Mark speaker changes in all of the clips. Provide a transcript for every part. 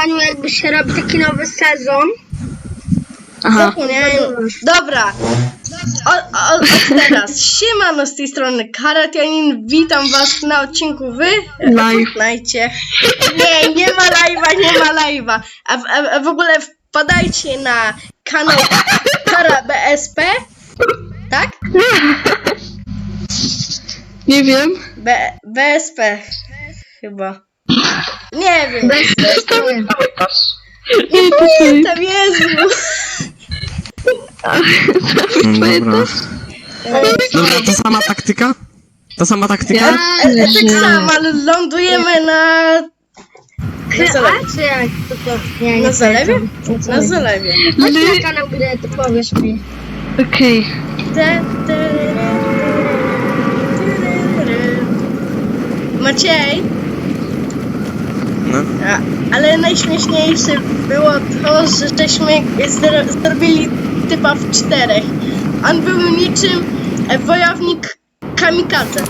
Speaker 1: lajwaniu jakby się robi taki nowy sezon.
Speaker 2: Aha.
Speaker 3: Nie, dobra. Od teraz. Siemano, z tej strony Karatianin. Witam was na odcinku
Speaker 2: Live.
Speaker 3: Fortnite. Nie ma live'a. A w ogóle wpadajcie na kanał Kara BSP. Tak?
Speaker 2: Nie wiem.
Speaker 3: BSP chyba. Nie wiem.
Speaker 2: Nie
Speaker 3: Pamiętam, Jezu.
Speaker 4: Dobra. Dobra, to sama taktyka? Ta sama taktyka?
Speaker 3: Tak samo, ale lądujemy na zalewie.
Speaker 1: Czy jak to? Nie,
Speaker 3: Na zalewie? Na zalewie.
Speaker 1: Chodź na kanał, gdy to powiesz mi.
Speaker 2: Okej.
Speaker 3: Maciej,
Speaker 4: No.
Speaker 3: ale najśmieszniejsze było to, że żeśmy zrobili typa w 4. On był niczym wojownik kamikadze.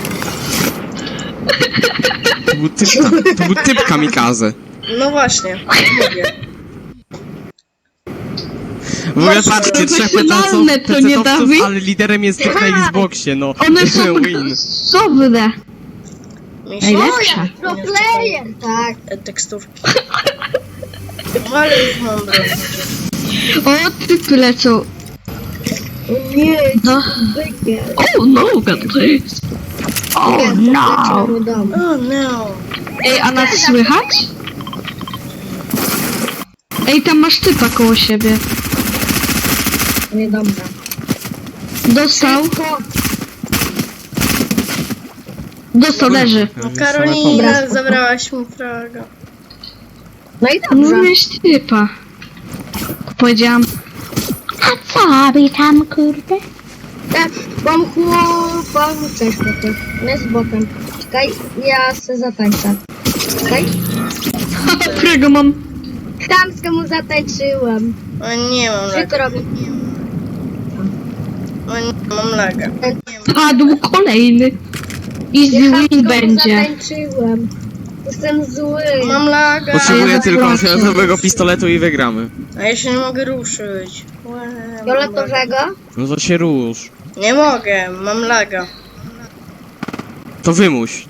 Speaker 4: To był typ kamikaze.
Speaker 3: No właśnie, mówię.
Speaker 4: W ogóle patrzcie, trzech
Speaker 2: Profesjonalne to nie,
Speaker 4: pecetowców,
Speaker 2: Dawid?
Speaker 4: ale liderem jest na Xboxie, no.
Speaker 2: One są
Speaker 4: Win.
Speaker 2: dobre. Najlepsze.
Speaker 1: Pro player, tak.
Speaker 3: Tekstówki. No ale już mądre.
Speaker 2: O, typy lecą.
Speaker 1: Nie,
Speaker 2: No.
Speaker 1: bykie.
Speaker 2: Oh no, God, please. Oh no.
Speaker 3: Oh no.
Speaker 2: Ej, a nas słychać? Ej, tam masz typa koło siebie.
Speaker 1: Niedobrze.
Speaker 2: Dostał. Dostał, leży.
Speaker 3: No Karolina, zabrałaś mi fraga.
Speaker 1: No i
Speaker 2: No
Speaker 1: dobrze.
Speaker 2: miałeś typa. Powiedziałam. A co robi tam, kurde?
Speaker 1: Tak, mam chłopak. Cześć, chłopak. Nie z bokiem. Czekaj, ja se zatańczę. Czekaj.
Speaker 2: Którego mam?
Speaker 1: Chamsko mu zatańczyłem.
Speaker 3: O nie mam
Speaker 1: Co
Speaker 3: laga.
Speaker 1: to robi?
Speaker 3: O nie mam laga.
Speaker 2: Padł kolejny. Easy win będzie.
Speaker 1: Zatańczyłem. Jestem zły.
Speaker 3: Mam laga.
Speaker 4: Potrzebuję
Speaker 2: Ja
Speaker 4: tylko
Speaker 2: zapłaczę.
Speaker 4: fioletowego pistoletu i wygramy.
Speaker 3: A ja się nie mogę ruszyć.
Speaker 1: Fioletowego?
Speaker 4: No to się rusz.
Speaker 3: Nie mogę, mam laga.
Speaker 4: To wymuś.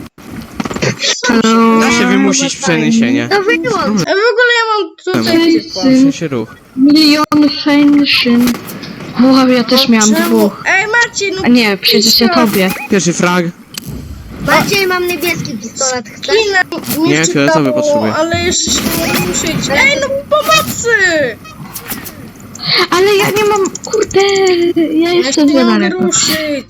Speaker 4: Da się wymusić przeniesienie.
Speaker 1: To wyłącz.
Speaker 3: A w ogóle ja mam tutaj typa.
Speaker 4: Muszę się ruch.
Speaker 2: Milion fenszyn. Wow, ja też miałam
Speaker 3: Czemu?
Speaker 2: dwóch.
Speaker 3: Ej Marcin, no
Speaker 2: A nie, przecież ja tobie.
Speaker 4: Pierwszy frag.
Speaker 1: Maciej, mam niebieski pistolet. Chcesz?
Speaker 3: kina mi
Speaker 4: Nie, fioletowy
Speaker 3: wczytało,
Speaker 4: potrzebuję.
Speaker 3: ale jeszcze się nie mogę ruszyć. Ej, no pomocy!
Speaker 2: Ale ja nie mam, kurde, ja
Speaker 3: Ja się
Speaker 2: jestem
Speaker 3: nie
Speaker 2: za
Speaker 3: mogę
Speaker 2: daleko.
Speaker 3: ruszyć.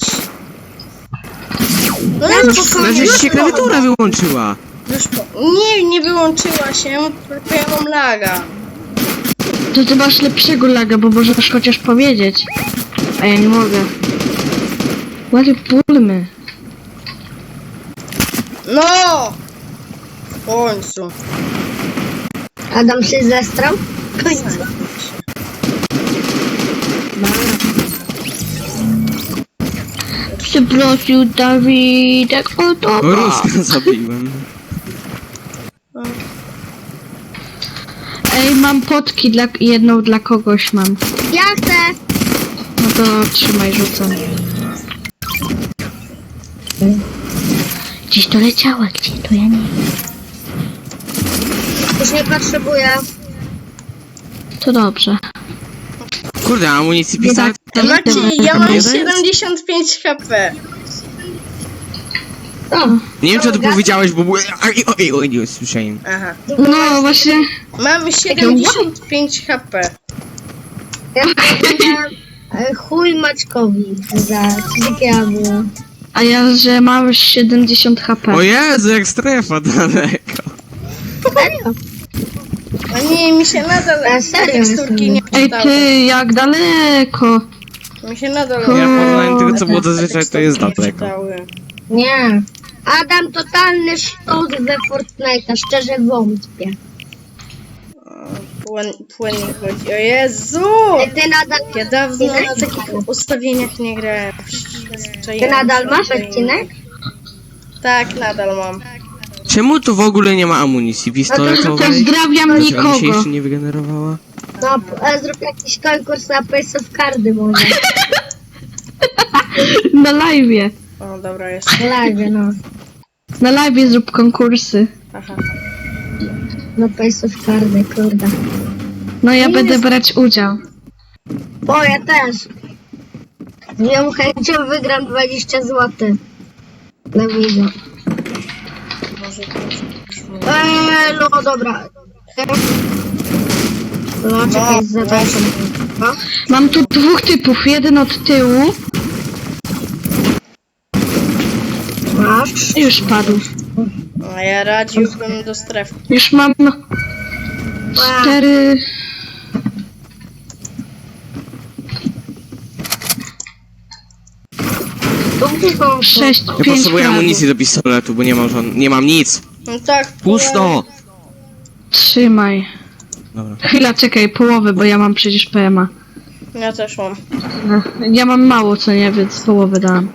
Speaker 3: No
Speaker 4: Znaczy się klawiatura wyłączyła.
Speaker 3: Nie wyłączyła się, tylko ja mam laga.
Speaker 2: To ty masz lepszego laga, bo możesz chociaż powiedzieć. A ja nie mogę. Ładnie pulmy.
Speaker 3: No! W końcu.
Speaker 1: Adam się zestrał? W końcu.
Speaker 2: Przeprosił Dawidek, o to.
Speaker 4: Ruska zabiłem.
Speaker 2: Ej, mam potki jedną dla kogoś mam.
Speaker 1: Ja chcę.
Speaker 2: No to trzymaj, rzucam. Gdzieś to leciała, gdzie to ja nie wiem.
Speaker 1: Już nie potrzebuję.
Speaker 2: To dobrze.
Speaker 4: Kurde, amunicji pistolet.
Speaker 3: Maciej, ja mam
Speaker 4: Jeden?
Speaker 3: 75 HP.
Speaker 1: O,
Speaker 4: Nie wiem, czy to powiedziałeś, bo były... Oj, nie usłyszałem.
Speaker 3: Aha.
Speaker 2: No właśnie.
Speaker 3: Mam 75 HP.
Speaker 1: ja powiedziałem chuj Maćkowi za takiego było.
Speaker 2: A ja, że mam 70 HP.
Speaker 4: O Jezu, jak strefa daleko.
Speaker 1: Serio?
Speaker 3: A nie, mi się nadal
Speaker 1: A serio
Speaker 3: teksturki nie
Speaker 2: Ej
Speaker 3: czytały.
Speaker 2: ty, jak daleko.
Speaker 3: Mi się nadal
Speaker 4: Ja porównałem tego, co było zazwyczaj, to jest
Speaker 3: teksturki nie
Speaker 4: daleko.
Speaker 3: czytały.
Speaker 1: Nie. Adam totalny sztos we Fortnite'a, szczerze wątpię.
Speaker 3: Płynnie chodzi. O Jezu!
Speaker 1: Ty nadal
Speaker 3: Ja dawno na takich ustawieniach nie grałem.
Speaker 1: Ty nadal masz odcinek?
Speaker 3: Tak, nadal mam.
Speaker 4: Czemu tu w ogóle nie ma amunicji pistoletowej?
Speaker 2: Pozdrawiam
Speaker 4: Dlaczego mi się
Speaker 2: nikogo.
Speaker 4: jeszcze nie wygenerowała?
Speaker 1: No, zrób jakiś konkurs na Pace of Cardy może.
Speaker 2: Na live'ie.
Speaker 3: O, dobra, jest.
Speaker 1: Live, no.
Speaker 2: Na live'ie zrób konkursy.
Speaker 3: Aha.
Speaker 1: Na Pace of Cardy, kurde.
Speaker 2: No ja będę brać udział.
Speaker 1: O, ja też. Z moją chęcią wygram 20 zł. Na wideo.
Speaker 3: Może to brzmi.
Speaker 1: No dobra. No, czekaj, zobaczę. No.
Speaker 2: Mam tu dwóch typów. Jeden od tyłu.
Speaker 1: Masz.
Speaker 2: Już padł.
Speaker 3: A ja radziłbym do strefy.
Speaker 2: Już mam 4...
Speaker 1: Tu
Speaker 2: 6,
Speaker 4: Ja
Speaker 2: 5
Speaker 4: potrzebuję amunicji do pistoletu, bo nie mam nic.
Speaker 3: No tak.
Speaker 4: Pusto!
Speaker 2: Trzymaj.
Speaker 4: Dobra.
Speaker 2: Chwila, czekaj, połowę, bo ja mam przecież PMA.
Speaker 3: Ja też mam.
Speaker 2: Ja mam mało, co nie, więc połowę dałam.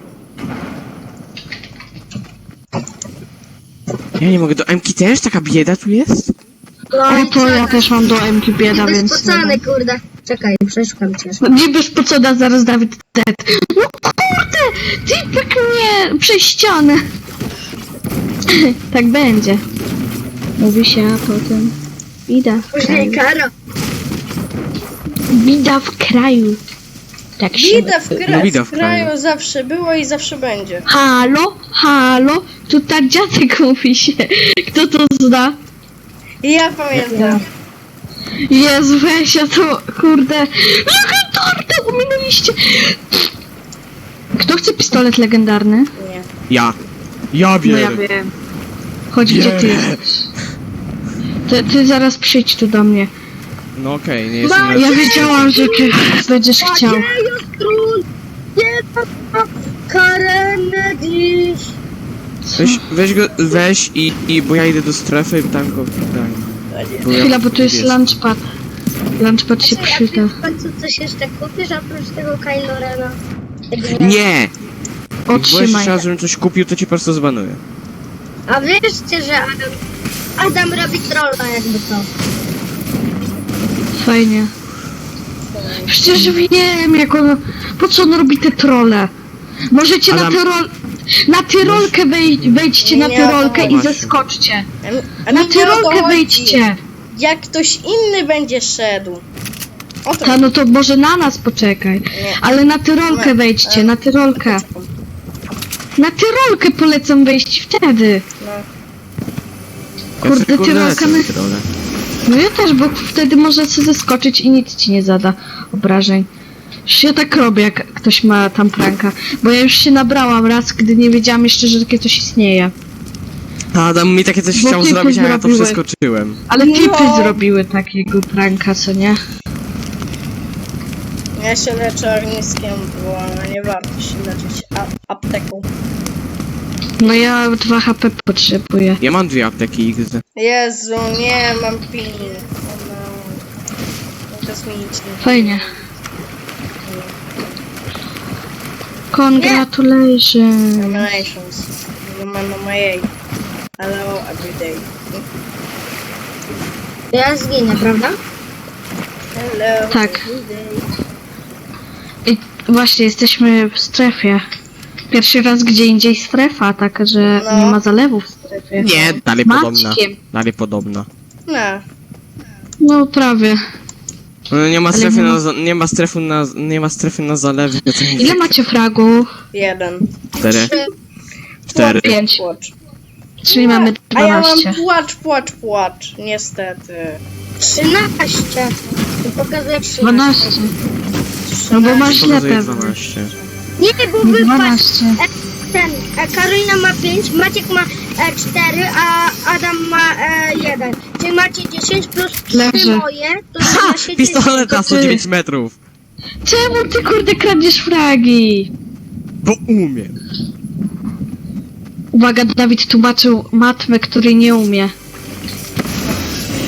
Speaker 4: Ja nie mogę, do MK też taka bieda tu jest?
Speaker 2: O, to ja też mam do MK bieda, więc...
Speaker 1: Wyspocony, kurde. Czekaj, przeszukam cię.
Speaker 2: Niby spocona, zaraz Dawid dead. No kurde! Typek mnie przez ścianę. Tak będzie. Mówi się, a potem... Bida w
Speaker 1: Później
Speaker 2: kraju.
Speaker 1: kara.
Speaker 2: Bida w kraju. Tak się...
Speaker 3: Bida w,
Speaker 4: No, bida w
Speaker 3: kraju
Speaker 4: kraju.
Speaker 3: zawsze było i zawsze będzie.
Speaker 2: Halo? Halo? Tu tak dziadek mówi się. Kto to zna?
Speaker 3: Ja pamiętam.
Speaker 2: Jezu, weź, ja to, kurde... Legendarne, ominęliście! Kto chce pistolet legendarny?
Speaker 3: Nie.
Speaker 4: Ja
Speaker 2: No ja
Speaker 4: biorę.
Speaker 2: wiem. Chodź, gdzie ty jesteś. Ty zaraz przyjdź tu do mnie.
Speaker 4: No okej, nie jestem na...
Speaker 2: Ja wiedziałam, że ty będziesz chciał.
Speaker 1: Król! Nie ma karę dziś!
Speaker 4: Weź i bo ja idę do strefy i tam go daj.
Speaker 2: Chwila, bo tu jest lunchpad. Lunchpad się przyda.
Speaker 1: W końcu coś jeszcze kupisz oprócz tego Kylo Rena?
Speaker 4: Nie! Bo
Speaker 2: Otrzymaj.
Speaker 4: jeszcze raz, żebym coś kupił, to cię po prostu zbanuję.
Speaker 1: A wierzcie, że Adam robi trolla jakby to.
Speaker 2: Fajnie. Przecież wiem, jak on... Po co on robi te trolle? Możecie
Speaker 4: Adam-
Speaker 2: na tyrolkę wejdźcie na
Speaker 3: Nie,
Speaker 2: tyrolkę i
Speaker 4: właśnie.
Speaker 2: zeskoczcie.
Speaker 3: A
Speaker 2: Na
Speaker 3: mi nie o to
Speaker 2: tyrolkę
Speaker 3: chodzi.
Speaker 2: wejdźcie.
Speaker 3: Jak ktoś inny będzie szedł. O to
Speaker 2: Ta, no to może na nas poczekaj.
Speaker 3: Nie.
Speaker 2: Ale na tyrolkę wejdźcie, na tyrolkę. Na tyrolkę polecam wejść wtedy.
Speaker 3: No.
Speaker 2: Kurde,
Speaker 4: Ja sobie,
Speaker 2: tyrolka
Speaker 4: lecę
Speaker 2: my-
Speaker 4: w tyrolę.
Speaker 2: No ja też, bo wtedy może sobie zeskoczyć i nic ci nie zada obrażeń. Już ja tak robię, jak ktoś ma tam pranka. Bo ja już się nabrałam raz, gdy nie wiedziałam jeszcze, że takie coś istnieje.
Speaker 4: Adam mi takie coś
Speaker 2: Bo
Speaker 4: chciał
Speaker 2: ty
Speaker 4: zrobić, a ja to
Speaker 2: zrobiłeś.
Speaker 4: przeskoczyłem.
Speaker 2: Ale
Speaker 3: No.
Speaker 2: typy zrobiły takiego pranka, co nie?
Speaker 3: Ja się leczę ogniskiem, bo nie warto się leczyć apteką.
Speaker 2: No ja 2 HP potrzebuję.
Speaker 4: Ja mam 2 apteki XD.
Speaker 3: Jezu, nie mam pin. O no. Kosmiczny.
Speaker 2: Fajnie. Congratulations.
Speaker 3: Nominations. Nie ma na mojej. Hello everyday.
Speaker 1: Ja zginę, prawda?
Speaker 3: Hello
Speaker 2: Tak.
Speaker 3: everyday.
Speaker 2: I właśnie jesteśmy w strefie. Pierwszy raz gdzie indziej strefa, taka, że
Speaker 3: No.
Speaker 2: nie ma zalewów w strefie.
Speaker 4: Nie, dalej podobna.
Speaker 2: Maćkiem.
Speaker 4: Dalej podobna.
Speaker 3: No.
Speaker 2: No prawie.
Speaker 4: No, nie ma
Speaker 2: Ale
Speaker 4: strefy
Speaker 2: nie ma-
Speaker 4: na, nie ma strefy na zalewie. co nie-
Speaker 2: Ile macie fragów?
Speaker 3: 1.
Speaker 4: 4. 4.
Speaker 2: 5.
Speaker 3: Płacz.
Speaker 2: Czyli mamy
Speaker 3: A ja
Speaker 2: 12.
Speaker 3: mam płacz. Niestety.
Speaker 1: 13. I pokazuję 13.
Speaker 2: 12. No bo masz źle
Speaker 4: Pokazuje
Speaker 2: pewnie.
Speaker 4: 12.
Speaker 1: Nie, bo wypadł
Speaker 2: 12.
Speaker 1: Karolina ma 5, Maciek ma 4, a Adam ma 1. Czyli macie 10 plus 3
Speaker 2: Leży.
Speaker 1: moje, to
Speaker 4: Ha!
Speaker 1: równa się
Speaker 4: Pistolet na
Speaker 2: To ty.
Speaker 4: 109 metrów.
Speaker 2: Czemu ty kurde kradniesz fragi?
Speaker 4: Bo umiem.
Speaker 2: Uwaga, Dawid tłumaczył matmę, której nie umie.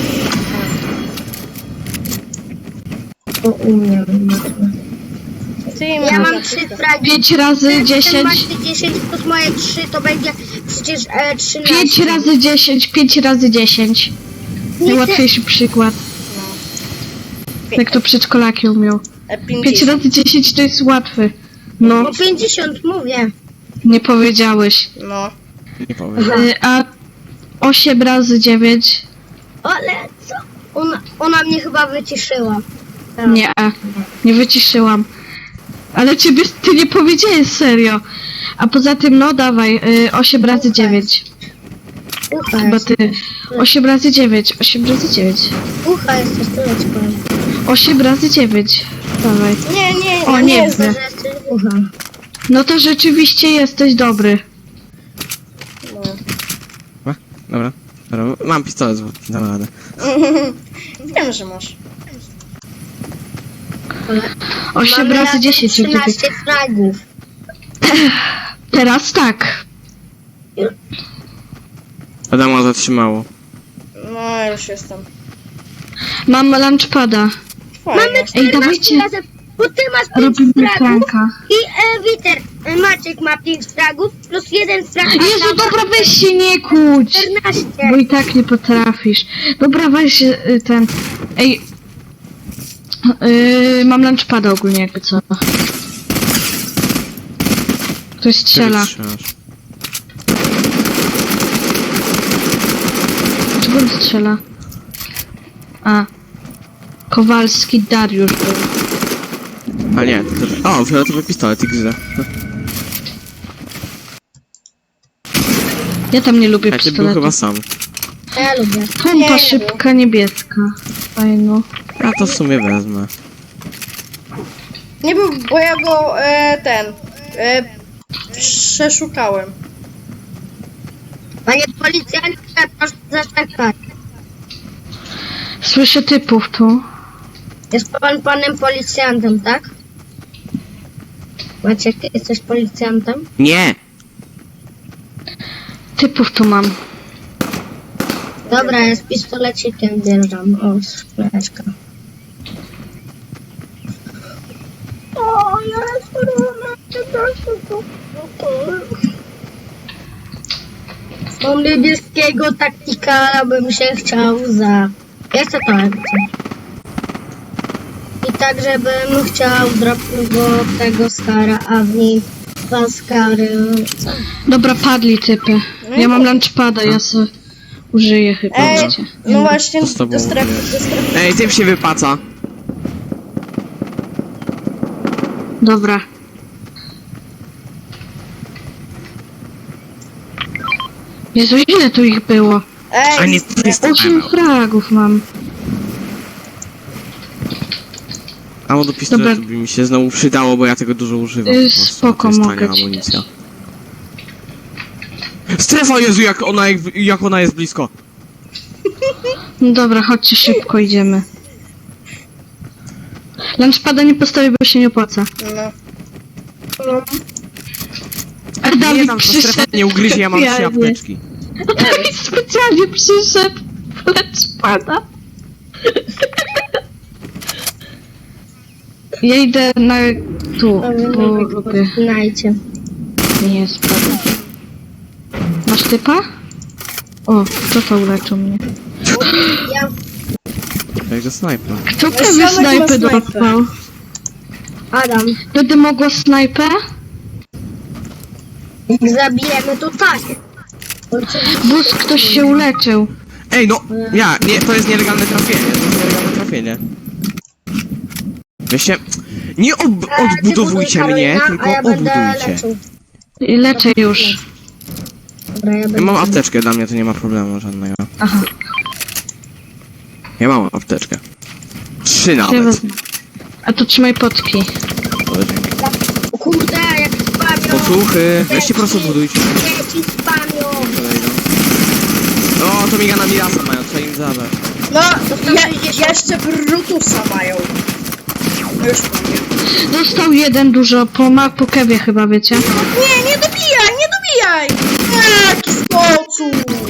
Speaker 1: To umiem.
Speaker 3: Ty
Speaker 1: Ja mam 3 fragi.
Speaker 2: 5 razy 10.
Speaker 1: Masz 10 plus moje 3 to będzie przecież 13.
Speaker 2: 5 razy 10, 5 razy 10. Najłatwiejszy przykład. Jak to przedszkolaki umiał. 5
Speaker 3: 50.
Speaker 2: razy 10 to jest łatwy. No,
Speaker 1: No 50 mówię.
Speaker 2: nie powiedziałeś.
Speaker 3: No.
Speaker 4: Nie powiem.
Speaker 2: A 8 razy 9?
Speaker 1: Ale co? Ona mnie chyba wyciszyła. Tak.
Speaker 2: Nie wyciszyłam. Ale ty nie powiedziałeś serio. A poza tym, no dawaj, 8 razy 9.
Speaker 1: Ucha
Speaker 2: Chyba
Speaker 1: jest.
Speaker 2: ty. 8 razy 9, 8 razy 9.
Speaker 1: Ucha jest, to tyle ci powiem.
Speaker 2: 8 razy 9. Dawaj.
Speaker 3: Nie,
Speaker 2: O, nie
Speaker 3: jest.
Speaker 2: widzę.
Speaker 1: Że jesteś ucha.
Speaker 2: No to rzeczywiście jesteś dobry.
Speaker 3: No.
Speaker 4: Dobra. Mam pistolet z wódki, dam radę.
Speaker 3: Wiem, że masz.
Speaker 2: 8
Speaker 1: Mamy
Speaker 2: razy
Speaker 1: razem
Speaker 2: 10. jak ty-
Speaker 1: 13 fragów.
Speaker 2: Teraz tak.
Speaker 4: Adama zatrzymało.
Speaker 3: No, już jestem.
Speaker 2: Mam lunchpada.
Speaker 3: Fajnie.
Speaker 1: Mamy
Speaker 2: Ej,
Speaker 1: 14
Speaker 2: dawajcie.
Speaker 1: razem, bo ty masz 5
Speaker 2: Robimy
Speaker 1: fragów
Speaker 2: pranka.
Speaker 1: i Witer, Maciek ma 5 fragów plus 1 frag. a
Speaker 2: Jezu,
Speaker 1: tam
Speaker 2: dobra, weź się nie kłóć.
Speaker 1: 14.
Speaker 2: Bo i tak nie potrafisz. Dobra, weź ten... Ej... mam lunchpada ogólnie, jakby co. Ktoś strzela. Czego on strzela? A. Kowalski Dariusz był.
Speaker 4: A nie, to też... O, fioletowy pistolet XD.
Speaker 2: Ja tam nie lubię
Speaker 4: A ty był
Speaker 2: pistoletu.
Speaker 4: chyba sam.
Speaker 1: Ja lubię.
Speaker 2: Pompa szybka, niebieska. Fajno.
Speaker 4: Ja to w sumie wezmę.
Speaker 3: Nie był, bo ja go przeszukałem.
Speaker 1: Panie policjancie, proszę zaczekać.
Speaker 2: Słyszę typów tu.
Speaker 1: Jest pan panem policjantem, tak? Maciek, jesteś policjantem?
Speaker 4: Nie!
Speaker 2: Typów tu mam.
Speaker 1: Dobra, ja z pistolecikiem wjeżdżam. O, szklaneczka. O, Mam niebieskiego taktikala, bym się chciał za... Ja chcę to akcję. I tak, żebym chciał dropnąć go tego skara, a w nim 2 skary.
Speaker 2: Dobra, padli typy. Ja mam lunchpada, ja se użyję chyba.
Speaker 3: Ej,
Speaker 2: wiecie.
Speaker 3: no właśnie,
Speaker 4: To z tobą
Speaker 3: do strefy,
Speaker 4: jest.
Speaker 3: do strefy.
Speaker 4: Ej, tym się wypaca.
Speaker 2: Dobra. Jezu, ile tu ich było?
Speaker 4: A
Speaker 3: Ej,
Speaker 4: nie, jest
Speaker 2: 8 fragów mam.
Speaker 4: Amo do pistoletu
Speaker 2: Dobra.
Speaker 4: by mi się znowu przydało, bo ja tego dużo używam. po prostu.
Speaker 2: Spoko,
Speaker 4: To jest
Speaker 2: mogę
Speaker 4: tania
Speaker 2: ci
Speaker 4: amunicja. Strefa, Jezu, jak ona jest blisko.
Speaker 2: No dobra, chodźcie szybko, idziemy. Lunchpada nie postawię, bo się nie opłaca.
Speaker 3: no.
Speaker 2: A
Speaker 4: Nie,
Speaker 2: Dawid
Speaker 4: tam ta strefa
Speaker 2: przyszedł.
Speaker 4: nie ugryzie, ja mam 3
Speaker 2: specjalnie.
Speaker 4: apteczki.
Speaker 2: Dawid specjalnie przyszedł. Lunchpada. Ja idę na... tu, bo lubię.
Speaker 1: Znajcie.
Speaker 2: Nie spadł. Masz typa? O, kto to uleczył mnie?
Speaker 1: Ja
Speaker 4: Także snajper.
Speaker 2: Kto prawie
Speaker 3: Ziomek ma
Speaker 2: snajpę
Speaker 3: snajpę.
Speaker 2: dostał?
Speaker 1: Adam.
Speaker 2: Będę mogła snajpę?
Speaker 1: Jak zabijemy, to tak. Oczywiście.
Speaker 2: Bus, ktoś się uleczył.
Speaker 4: Ej, no! Ja, nie, to jest nielegalne trafienie, to jest nielegalne trafienie. Weźcie, nie odbudowujcie mnie, tylko
Speaker 1: A ja będę
Speaker 4: odbudujcie.
Speaker 1: leczył.
Speaker 2: I leczę już.
Speaker 1: Dobra, ja
Speaker 4: Ja
Speaker 1: będę...
Speaker 4: mam apteczkę, dla mnie to nie ma problemu żadnego.
Speaker 2: Aha,
Speaker 4: Ja mam apteczkę. 3
Speaker 2: ja
Speaker 4: nawet.
Speaker 2: wezmę. A to trzymaj potki.
Speaker 4: Ale dzięki.
Speaker 1: O kurde, jak spamią.
Speaker 4: Posłuchy, weźcie prosto odbudujcie.
Speaker 1: Dzieci spamią.
Speaker 4: O, to migana Mirasa mają, trzeba im zabrać.
Speaker 3: No, jeszcze Brutusa mają. Już powiem.
Speaker 2: Dostał jeden dużo, po kewie chyba, wiecie?
Speaker 3: Nie, nie dobijaj, nie dobijaj! Jaki sposób!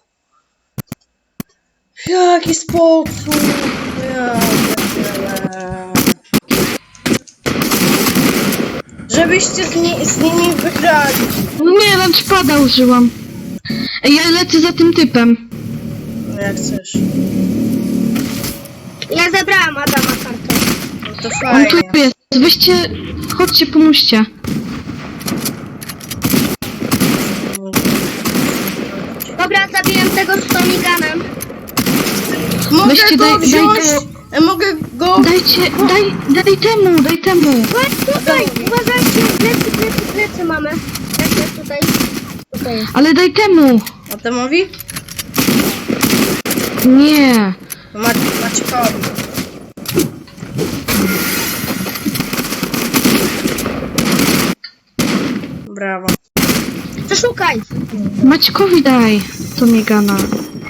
Speaker 3: Jaki sposób! Ja pierdzielę. żebyście z nimi wygrali.
Speaker 2: No nie, lunchpada użyłam. Ej, ja lecę za tym typem.
Speaker 3: No jak chcesz.
Speaker 1: Ja zebrałam Adama kartę.
Speaker 3: No to
Speaker 2: On
Speaker 3: fajnie.
Speaker 2: tu jest. Weźcie, chodźcie, pomóżcie.
Speaker 1: Dobra, zabiłem tego z Tomiganem.
Speaker 3: Mogę
Speaker 2: Weźcie,
Speaker 3: go
Speaker 2: daj
Speaker 3: wziąć? Mogę go...
Speaker 2: Daj temu.
Speaker 1: Chodź tutaj, uważajcie, plecy mamy. Jak jest tutaj? Tutaj jest.
Speaker 2: Ale daj temu.
Speaker 3: Adamowi?
Speaker 2: Nie.
Speaker 3: Maćkowi. Brawo.
Speaker 1: Przeszukaj.
Speaker 2: Maćkowi daj. To Megana.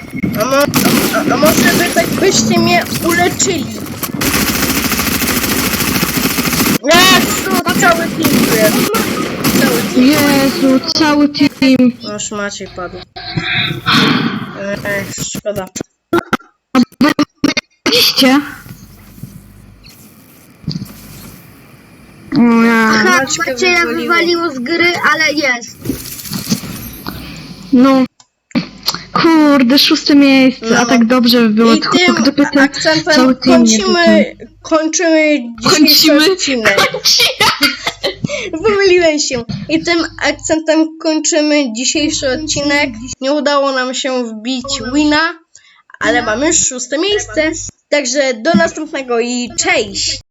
Speaker 3: A może wy tak byście mnie uleczyli? Nie, to cały team tu jest. Cały team.
Speaker 2: Jezu, cały team.
Speaker 3: Noż Maciej padł. Szkoda.
Speaker 2: Widzicie? O ja.
Speaker 1: Aha,
Speaker 3: Maćkę
Speaker 1: Macieja
Speaker 3: wywaliło.
Speaker 1: wywaliło z gry, ale jest.
Speaker 2: No. Kurde, 6. miejsce,
Speaker 3: No.
Speaker 2: a tak dobrze by było,
Speaker 3: I
Speaker 2: tylko
Speaker 3: tym
Speaker 2: gdyby ten
Speaker 3: akcentem
Speaker 2: cały team nie
Speaker 3: kończymy dzisiejszy
Speaker 2: Kończymy?
Speaker 3: odcinek. Pomyliłem się. I tym akcentem kończymy dzisiejszy odcinek. Nie udało nam się wbić wina, ale mamy już 6. miejsce. Także do następnego i cześć!